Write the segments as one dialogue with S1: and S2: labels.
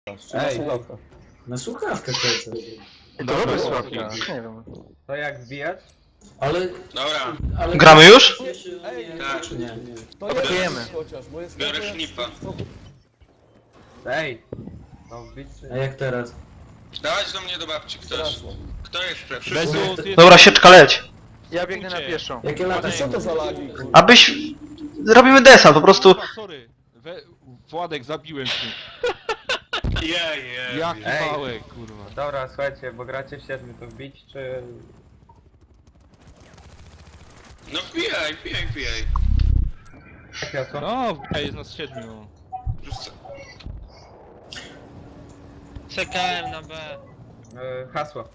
S1: Ej,
S2: Na słuchawkę kręcę.
S3: Dobry słuchawka. Nie wiem.
S1: to jak wbijać?
S2: Ale...
S4: Dobra,
S2: ale
S5: Gramy już?
S2: Nie,
S4: Tak.
S2: czy nie?
S6: To
S3: Atakujemy.
S6: jest chociaż, bo jest
S4: biorę szlipa.
S1: Ej! No wbić czy
S2: A
S1: nie?
S2: jak teraz?
S4: Dawać do mnie do babci ktoś. Kto jeszcze? Wszyscy?
S7: Bezu, ty
S5: Dobra, sieczka leć.
S3: Ja biegnę na pieszo.
S2: Jakie lata
S6: Co to za lagi? kurwa?
S5: Abyś... Zrobimy desant, po prostu...
S7: Kurwa, sorry. Władek, zabiłem cię.
S4: Jej.
S7: Jaki
S1: Ej.
S7: małek, kurwa.
S1: Dobra, słuchajcie, bo gracie w 7, to wbić czy...
S4: No wbijaj.
S1: Jak jasło?
S7: No, jest nas 7.
S4: Wszyscy.
S8: Czekałem na B.
S1: Hasło.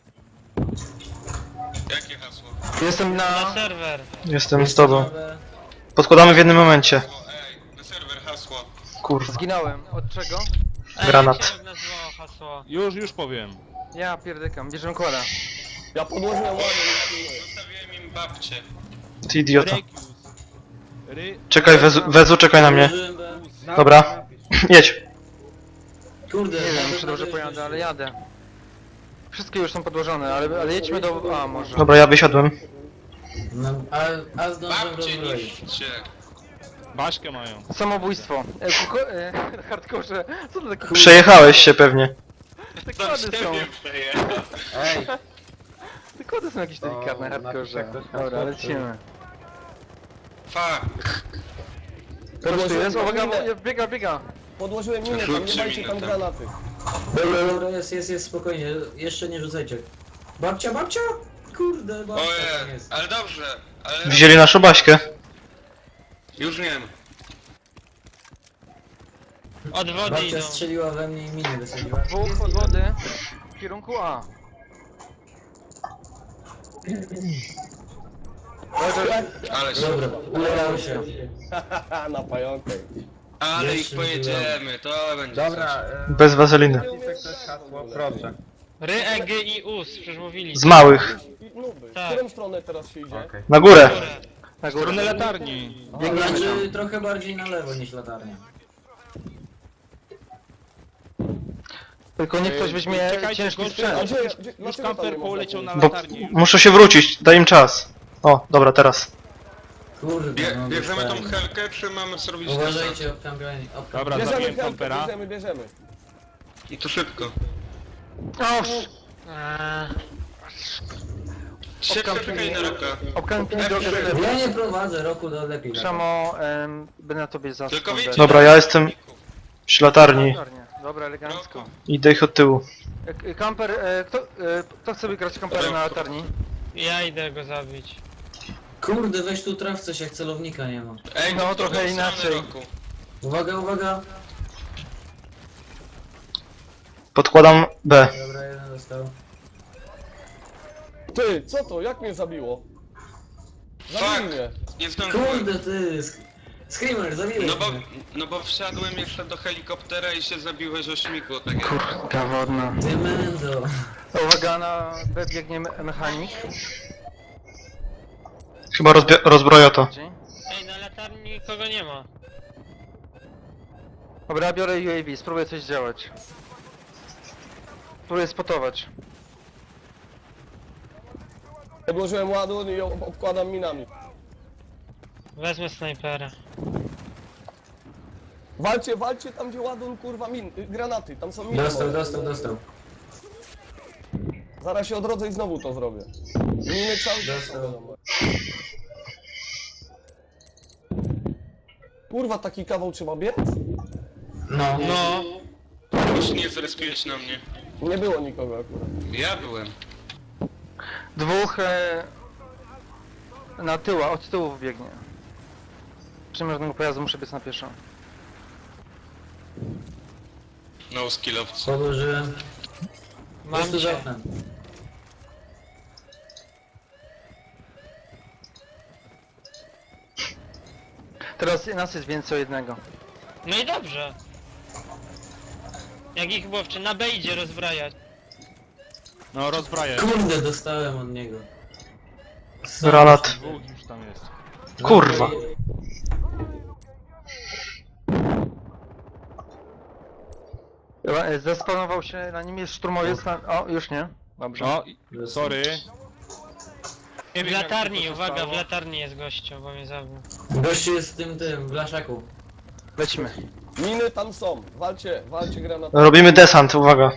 S4: Jakie hasło?
S3: Jestem
S8: Na
S3: na...
S8: serwer.
S5: Jestem z tobą. Podkładamy w jednym momencie.
S4: Na serwer hasło.
S5: Kurwa.
S3: Zginąłem. Od czego?
S5: Granat.
S8: Jak się nazywało hasło?
S7: Już powiem.
S3: Ja pierdykam. Bierzemy kłada.
S6: Ja podłożyłem ładnie.
S4: Zostawiłem im babcię.
S5: Ty idiota.
S7: Regius.
S5: Czekaj, Wezu, czekaj na mnie.
S2: Użyłem B.
S5: Dobra.
S1: Napisz.
S5: Jedź.
S2: Kurde,
S3: Nie wiem,
S2: nawet
S3: czy dobrze
S2: na
S3: pojadę,
S2: wyjście.
S3: ale jadę. Wszystkie już są podłożone, ale jedźmy do... A, może.
S5: Dobra, ja wysiadłem.
S2: No, a zdążyłem
S4: Babcie
S2: rozbroić.
S4: niszcie.
S7: Baśkę mają.
S3: Samobójstwo. Hardkorze. Co to takie...
S5: Przejechałeś się pewnie.
S3: Te
S4: Tam
S3: kłady są.
S4: siebie przejechał.
S1: Ej!
S3: Te kłady są jakieś delikatne,
S1: O,
S3: hardkorze.
S1: napiszę ktoś na
S3: Dobra,
S1: słodko.
S3: lecimy.
S4: Fuck.
S3: Teraz tu jest, uwaga, biega.
S6: Podłożyłem minę, tam nie
S4: Rzućcie
S6: dajcie
S4: minę
S6: tam
S4: tam.
S6: granaty.
S2: Dobra, jest, spokojnie. Jeszcze nie rzucajcie. Babcia! Kurde, babcia tam
S4: Ojej,
S2: jest.
S4: ale dobrze. Ale
S5: Wzięli naszą Baśkę.
S4: już wiem.
S8: Od wody
S2: Babcia
S8: idą.
S2: strzeliła we mnie i miny wysadziła.
S3: Dwóch od wody w kierunku A.
S4: Ale
S2: Dobra, udało się.
S6: Haha, na pająkę.
S4: Ale ich
S2: Jeszcze
S4: pojedziemy, to będzie
S1: Dobra,
S4: coś.
S5: Bez wazeliny.
S1: napisze ktoś hasło, proszę.
S8: Ry, E, G i US, przecież mówili.
S5: Z małych.
S6: Nuby. W
S8: Tak.
S6: którą stronę teraz się idzie?
S1: Okej.
S5: Na górę.
S8: Górę.
S3: Na
S7: W stronę
S3: górę.
S7: latarni.
S3: Biegniemy
S2: Znaczy
S3: tam.
S2: trochę bardziej na lewo niż latarnia.
S3: Tylko niech ktoś weźmie
S7: Czekajcie,
S3: ciężki
S7: gościu,
S3: sprzęt.
S6: A gdzie,
S7: Już
S6: dlaczego tam
S7: kamper
S6: nie można
S7: poleciał na
S6: pójść?
S5: Bo
S7: latarnię.
S5: muszę się wrócić, daj im czas. O, dobra, teraz.
S2: Kurde, no
S4: Bierzemy tą
S2: dostałem.
S4: helkę, czy mamy zrobić
S2: Uważajcie, obkampianie.
S7: Dobra,
S6: Bierzemy
S7: zabiłem
S6: helkę,
S7: kampera.
S6: bierzemy.
S4: I to szybko.
S3: Oż!
S4: Czekaj na roka.
S3: Obkampienie drogę do lewej.
S2: Ja nie prowadzę, roku do lepiej.
S3: Przemo, będę na tobie za
S4: Tylko
S3: sekundę.
S4: wiecie,
S5: Dobra, ja jestem przy latarni.
S3: Dobra, elegancko.
S5: Idę ich od tyłu.
S3: Kamper, kto chce grać kampera na latarni?
S8: Ja idę go zabić.
S2: Kurde, weź tu traf coś, jak celownika nie ma.
S4: Ej,
S3: No,
S4: to w
S3: trochę
S4: drugą stronę
S3: inaczej.
S4: roku.
S2: Uwaga.
S5: Podkładam B.
S2: Dobra, jeden dostał.
S6: Ty, co to? Jak mnie zabiło? Zabił
S4: Fuck.
S6: mnie.
S4: Nie zdążyłem.
S2: Kurde, ty! Screamer, zabiłeś mnie.
S4: No bo wsiadłem jeszcze do helikoptera i się zabiłeś o śmigu, tak jak...
S3: Kurka wodna.
S2: Demendo.
S3: Uwaga, na B biegnie mechanik.
S5: Chyba rozbroja to.
S8: Ej, na latarni nikogo nie ma.
S3: Dobra, biorę UAV, spróbuję coś działać. Spróbuję spotować.
S6: Podłożyłem ładun i obkładam minami.
S8: Wezmę snajpera.
S6: Walcie tam gdzie ładun, kurwa, granaty, tam są miny.
S2: Dostał.
S6: Zaraz się odrodzę i znowu to zrobię. Miny cały czas.
S2: Dostał.
S6: Kurwa, taki kawał trzeba biec?
S2: No.
S8: No.
S4: Już nie zrespiłeś na mnie.
S6: Nie było nikogo akurat.
S4: Ja byłem.
S3: Dwóch na tyła, od tyłu biegnie. Przymierzonego pojazdu muszę biec na pieszo.
S4: No skillowcy.
S2: Podłożyłem.
S8: Mam
S2: Jest tu za
S8: cię.
S2: oknem.
S3: Teraz nas jest więcej o jednego.
S8: No i dobrze. Jak ich łowczy, na B idzie rozbrajać.
S7: No, rozbraję.
S2: Kurde, dostałem od niego.
S5: Granat.
S7: Dwóch już tam jest.
S5: Kurwa.
S3: Zespawnował się, na nim jest szturmowiec, o, już nie. Dobrze.
S7: O, sorry. Nie
S8: W
S7: wiem, jak
S8: latarni,
S7: to się
S8: uwaga,
S7: stało.
S8: w latarni jest gościu, bo mnie zabił.
S2: Gościu jest w tym, w blaszaku.
S3: Lecimy.
S6: Miny tam są. Walcie granaty.
S5: Robimy desant, uwaga.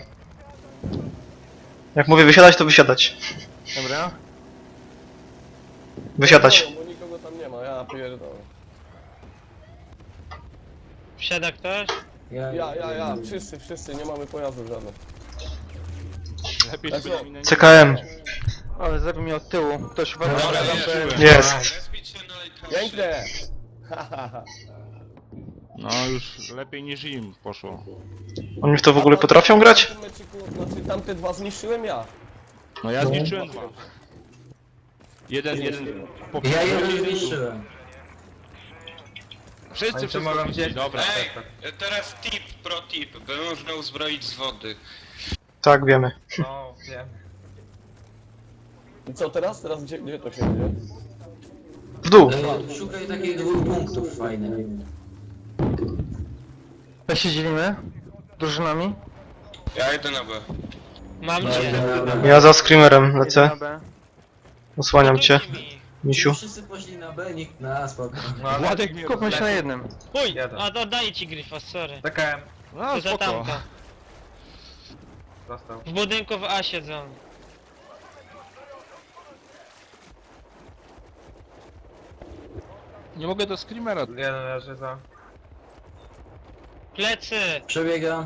S5: Jak mówię wysiadać, to wysiadać.
S3: Dobra.
S5: Wysiadać.
S6: Bo nikogo tam nie ma, ja pierdolę.
S8: Wsiada ktoś?
S6: Ja. Wszyscy, nie mamy pojazdów żadnych.
S7: Lepiej,
S6: Let's
S7: żeby
S6: go.
S7: mi nie-
S5: CKM.
S3: Ale zabił mnie od tyłu. Ktoś uważa,
S4: Dobra,
S3: że
S4: jest.
S5: Jest.
S4: Respić się na lejkarze.
S6: Pięknie!
S7: No już lepiej niż im poszło.
S5: Oni w to w ogóle potrafią grać?
S6: W tym meczyku, znaczy tamte dwa zniszczyłem ja.
S7: No ja zniszczyłem dwa. Jeden po
S2: Ja jeden
S7: jeden-
S2: zniszczyłem.
S7: Wszyscy
S1: Oni to
S7: wszystko
S1: mogą
S7: zniszczyli,
S1: gdzieś...
S7: dobra.
S4: Ej, teraz pro tip, by można uzbroić z wody.
S5: Tak, wiemy.
S1: No, wiem.
S6: I co teraz? Teraz gdzie to się dzieje?
S5: W dół.
S2: Szukaj takich 2 punktów fajnych.
S3: Jak się dzielimy? Drużynami?
S4: Ja idę na B.
S8: Mam
S2: No,
S8: cię.
S5: Ja za screamerem
S3: Jeden
S5: lecę.
S3: na B.
S5: Osłaniam cię,
S8: Budujcie mi.
S5: misiu.
S2: Wszyscy poszli na B, nikt na A, spoko.
S1: No, ale...
S7: Władek mnie
S3: Skupmy się na jednym.
S8: Uj,
S1: Jeden.
S8: oddaję ci Grifa, sorry.
S1: CKM.
S7: No
S8: To za
S7: spoko.
S8: tamto.
S1: Został.
S8: W budynku w A siedzą.
S7: Nie mogę do screamera.
S1: Jeden leży za...
S8: Plecy!
S2: Przebiegam.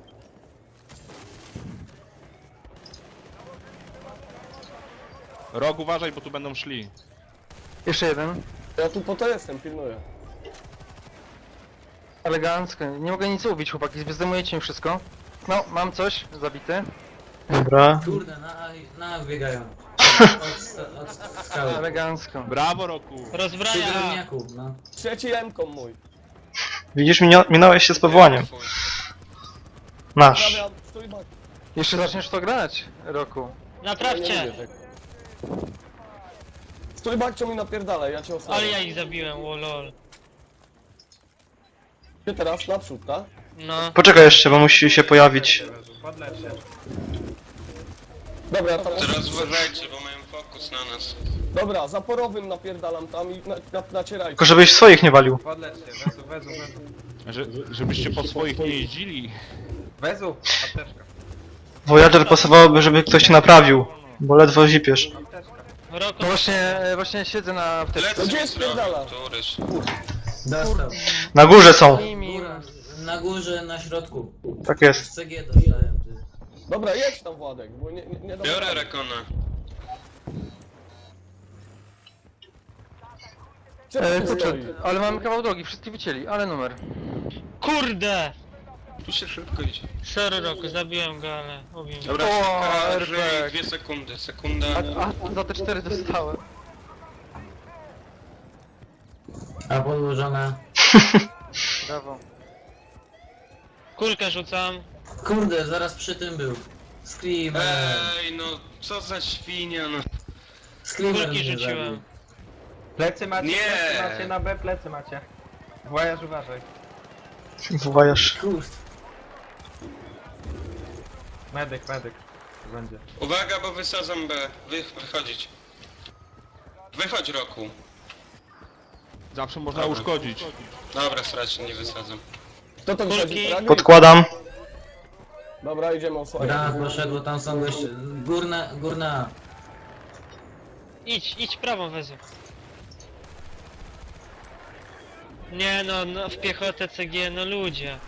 S7: Rok uważaj, bo tu będą szli.
S3: Jeszcze jeden.
S6: Ja tu po to jestem, pilnuję.
S3: Elegancko. Nie mogę nic ubić, chłopaki. Zdejmujecie mi wszystko. No, mam coś. Zabity.
S5: Dobra.
S2: Kurde, na A biegają. Od skały.
S3: Elegancko.
S7: Brawo, Roku.
S2: Przy
S8: Rozbraja!
S2: drewniaku, no.
S6: Trzeci M-kom mój.
S5: Widzisz, minąłeś się z powołaniem.
S4: Twój.
S5: Nasz.
S6: Prawie, stój bak.
S3: Jeszcze zaczniesz to grać, Roku.
S8: Naprawcie!
S6: Stój bakcio mi napierdalaj, ja cię
S8: Ale
S6: osłaniam.
S8: ja ich zabiłem, lol.
S6: Ty teraz naprzód, tak?
S8: No.
S5: Poczekaj jeszcze, bo musi się pojawić.
S1: Podlecz się.
S6: Dobra, tam
S4: Teraz uważajcie, bo mają fokus na nas.
S6: Dobra, zaporowym napierdalam tam i nacierajcie.
S5: Tylko żebyś swoich nie walił.
S1: Podlecz się. Wezu.
S7: Żebyście po swoich nie jeździli.
S1: Wezu. Apteczka.
S5: Voyager pasowałoby, żeby ktoś cię naprawił. Bo ledwo zipiesz.
S1: Apteczka.
S8: Roku.
S3: No właśnie siedzę na wtyczce.
S4: Lecę
S6: Gdzie
S4: mi
S6: jest
S4: zrobił,
S6: pierdala?
S4: któryś.
S2: Dostał.
S5: Na górze są.
S2: Góra, na górze, na środku.
S5: Tak jest.
S2: Z CG dostałem, ty.
S6: Dobra, jedź tam Władek, bo nie dam
S4: Biorę
S6: rady.
S4: Rekona.
S6: Czemu tu
S3: Kurczę,
S6: stoi?
S3: ale mamy kawał drogi, wszyscy wycięli, ale numer.
S8: Kurde!
S4: Tu się szybko idzie.
S8: Sorry Roku, zabiłem go, ale ubił mnie.
S4: Dobra,
S3: O,
S4: żyj,
S3: RPG.
S4: 2 sekundy. Sekunda.
S3: A za te 4 dostałem.
S2: A podłożona.
S3: Brawo.
S8: Kulkę rzucam.
S2: Kurde, zaraz przy tym był. Screamer.
S4: Ej, no co za świnia, no.
S2: Screamer
S8: Kulki
S2: mnie
S8: rzuciłem.
S2: zabił.
S1: Plecy macie,
S4: Nie.
S1: plecy macie, na B plecy macie. Voyage uważaj.
S5: Wojaż.
S2: Kurde.
S1: Medyk. Będzie.
S4: Uwaga, bo wysadzam B. Wychodzić. Wychodź, Roku.
S7: Zawsze można
S4: Dobra.
S7: uszkodzić.
S4: Dobra, stracę, nie wysadzam.
S6: Kto to
S8: Kulki.
S6: wychodzi? Fragi?
S5: Podkładam.
S6: Dobra, idziemy osłaniać.
S2: Granat poszedł, tam są goście. Górna.
S8: Idź prawą wezu. Nie no, w piechotę CG, no ludzie.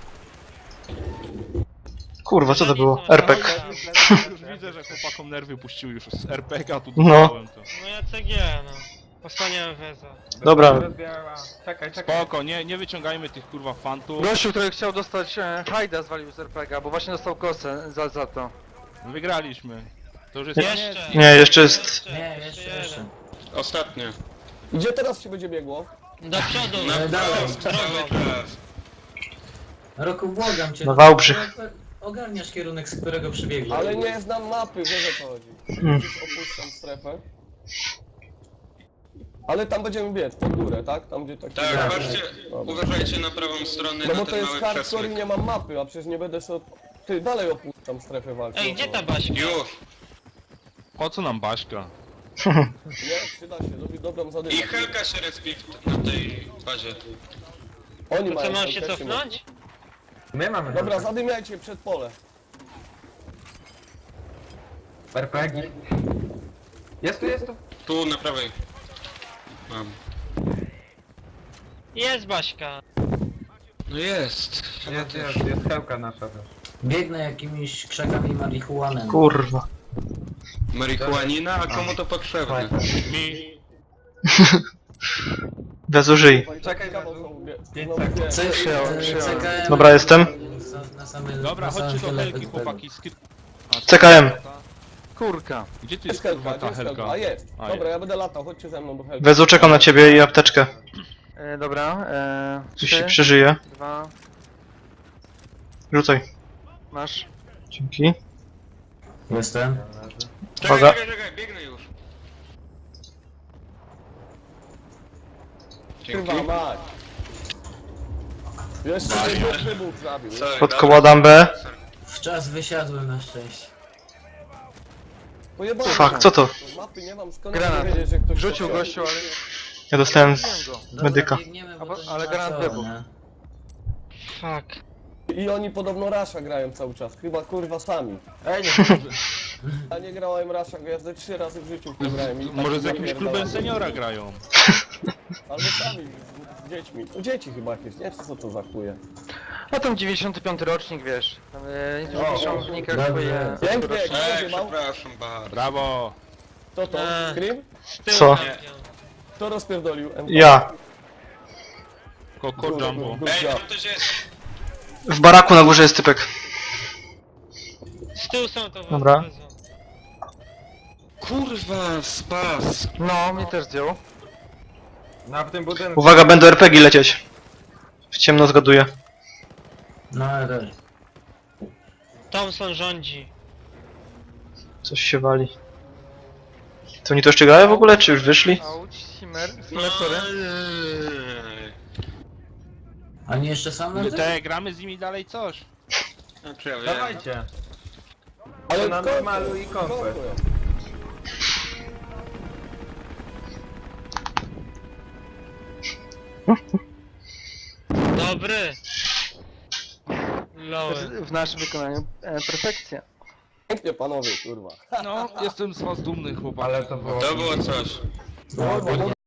S5: Kurwa, co to było? RPG.
S7: Już widzę, że chłopakom nerwy puściły już z RPG-a tu
S5: No.
S7: dostałem to.
S8: No ja CG, no. Osłaniałem weza.
S5: Dobra.
S1: Rozbierała. Czekaj.
S7: Spoko, nie wyciągajmy tych kurwa fantów.
S3: Gościu, który chciał dostać Hajda zwalił z RPG, bo właśnie dostał kosę za to.
S7: Wygraliśmy. To już jest
S8: Jeszcze!
S5: Nie, jeszcze jest...
S2: Nie, jeszcze.
S4: Ostatnie.
S6: Gdzie teraz się będzie biegło?
S8: Do przodu!
S4: Na
S2: dalej.
S4: prawo, cały czas.
S2: Roku, błagam cię.
S5: Na Wałbrzych.
S2: Ogarniasz kierunek, z którego przybiegłem.
S6: Ale nie znam mapy, wiesz o co chodzi. Gdzieś opuszczam strefę. Ale tam będziemy biec, pod górę, tak? Tam gdzie tak...
S4: Tak, patrzcie, uważajcie na prawą stronę,
S6: No
S4: na
S6: bo to
S4: ten
S6: jest
S4: mały
S6: hardcore i
S4: przesmyk.
S6: nie mam mapy, a przecież nie będę sobie Ty, dalej opuszczam strefę walki.
S8: Ej, gdzie ta Baśka?
S4: Już.
S7: Po co nam Baśka?
S6: Nie, przyda się, robi dobrą zadymę.
S4: I Helka się respi na tej bazie.
S6: Oni
S8: To co,
S6: mają
S8: mam
S6: tam
S8: się
S6: też
S8: cofnąć?
S1: My mamy
S6: Dobra,
S1: dobrze.
S6: zadymiajcie przed pole.
S1: RPG. Jest tu, jest tu.
S4: Tu na prawej. Mam.
S8: Jest Baśka.
S4: No jest.
S1: Jest hełka nasza też.
S2: Biegnę jakimiś krzakami marihuanem.
S5: Kurwa.
S4: Marihuanina, a komu to potrzebne?
S7: Mi.
S5: Bezużyj.
S1: Czekaj,
S6: Kawał
S1: Bezu.
S6: są, wie-
S1: 5
S6: no,
S1: sekund.
S6: wie-
S2: CKM.
S5: Dobra, jestem.
S2: Na same,
S7: Dobra,
S2: na same
S7: chodźcie do
S2: sklepy
S7: Helki,
S2: tego.
S7: chłopaki.
S5: CKM.
S3: Kurka.
S7: Gdzie tu
S6: Jest
S7: jest kurwa
S6: helka,
S7: ta
S6: jest helka.
S7: Helka?
S6: A jest.
S7: A,
S6: Dobra,
S7: jest.
S6: ja będę latał, chodźcie ze mną do helki.
S5: Bezu, czekam na ciebie i apteczkę.
S3: Dobra,
S5: Coś się
S3: 3,
S5: przeżyje.
S3: 2,
S5: Rzucaj.
S3: masz.
S5: Dzięki.
S2: Jestem.
S4: Czekaj,
S5: Uwaga.
S4: czekaj, biegnę już. Dzięki.
S6: Kurwa mać. Jeszcze nie wybuch zabił.
S4: Sorry,
S5: Podkładam B.
S2: W czas wysiadłem na szczęście.
S6: Pojebałem
S5: Fuck,
S6: się.
S5: co to?
S6: Mapy nie mam, skąd
S3: Granat.
S6: wiedzieć, że ktoś
S3: Rzucił
S6: to
S3: gościu, ale...
S5: Ja dostałem
S3: Zabiłem go.
S2: Dobra,
S5: medyka.
S2: biegniemy, bo
S3: A bo-
S2: to nie
S3: ale
S2: ma
S3: granat
S2: co,
S3: wybuchł.
S2: nie?
S8: Fuck.
S6: I oni podobno Rasha grają cały czas, chyba kurwa sami.
S1: Ej, nie
S6: Ja nie grałem Rasha, ja ze 3 razy w życiu w to grałem. i tak
S7: Może z
S6: się
S7: jakimś
S6: napierdalałem.
S7: klubem seniora grają.
S6: Albo sami, z dziećmi. U dzieci chyba jakieś, nie? Czy co to za chuje?
S3: No tam 95 rocznik, wiesz. Tam
S1: O,
S3: piszą w wynikach
S2: dobrze.
S3: swoje...
S6: Pięknie, kto
S4: Ej,
S6: rozjebał?
S4: przepraszam bardzo.
S7: Brawo.
S6: Kto to? Scream?
S8: Z tyłu
S5: Co?
S8: tam wziął.
S6: Kto rozpierdolił? MK?
S5: Ja.
S7: Coco Jumbo.
S4: Ej, tam też jest.
S5: W baraku na górze jest typek.
S8: Z tyłu są to
S5: Dobra.
S8: wezmą.
S4: Kurwa, spas.
S3: No, mnie też zdjął.
S1: Na w tym budynku.
S5: Uwaga, będą RPG lecieć. W ciemno zgaduję.
S2: No ale też.
S8: Thompson rządzi.
S5: Coś się wali. To oni to jeszcze grają w ogóle, czy już wyszli?
S3: Auć, Simmer,
S4: No,
S3: Simmer, sorry.
S2: Oni jeszcze sam na tym?
S7: Te, gramy z nimi dalej coś.
S4: Znaczy, ja wiem.
S1: Dawajcie.
S6: Ale
S1: Na
S6: kto-
S1: normalu i
S6: kto
S1: konfę.
S6: to?
S8: Dobry. Lower.
S3: W naszym wykonaniu perfekcja.
S6: Pięknie panowie, kurwa.
S7: No, jestem z was dumny, chłopak.
S1: Ale to było...
S4: To było coś.
S6: Kurwa,